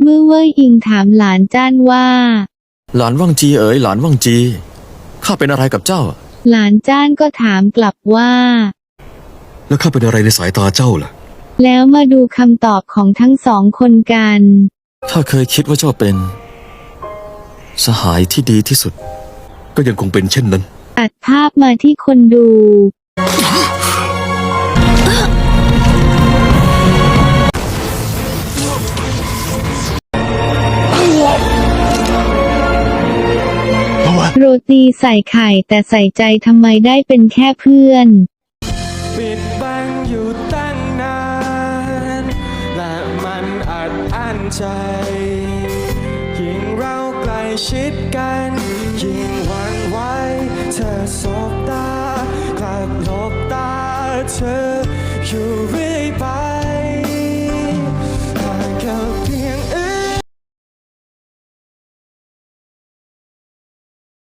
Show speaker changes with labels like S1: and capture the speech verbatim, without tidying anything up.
S1: มื่อเว่ยอิงถามหลานจ้านว่า
S2: หลานว่างจีเอ๋ยหลานว่างจีข้าเป็นอะไรกับเจ้า
S1: หลานจ้านก็ถามกลับว่า
S2: แล้วข้าเป็นอะไรในสายตาเจ้าล่ะ
S1: แล้วมาดูคำตอบของทั้งสองคนกัน
S2: ถ้าเคยคิดว่าเจ้าเป็นสหายที่ดีที่สุดก็ยังคงเป็นเช่นนั้น
S1: ตัดภาพมาที่คนดูโรตีใส่ไข่แต่ใส่ใจทำไมได้เป็นแค่เพื่อน
S3: ปิดบังอยู่ตั้งนานและมันอัดอั้นใจยิ่งเราใกล้ชิดกันยิ่งหวั่นไหวเธอสบตากลับหลบตาเธออยู่เรื่อยไป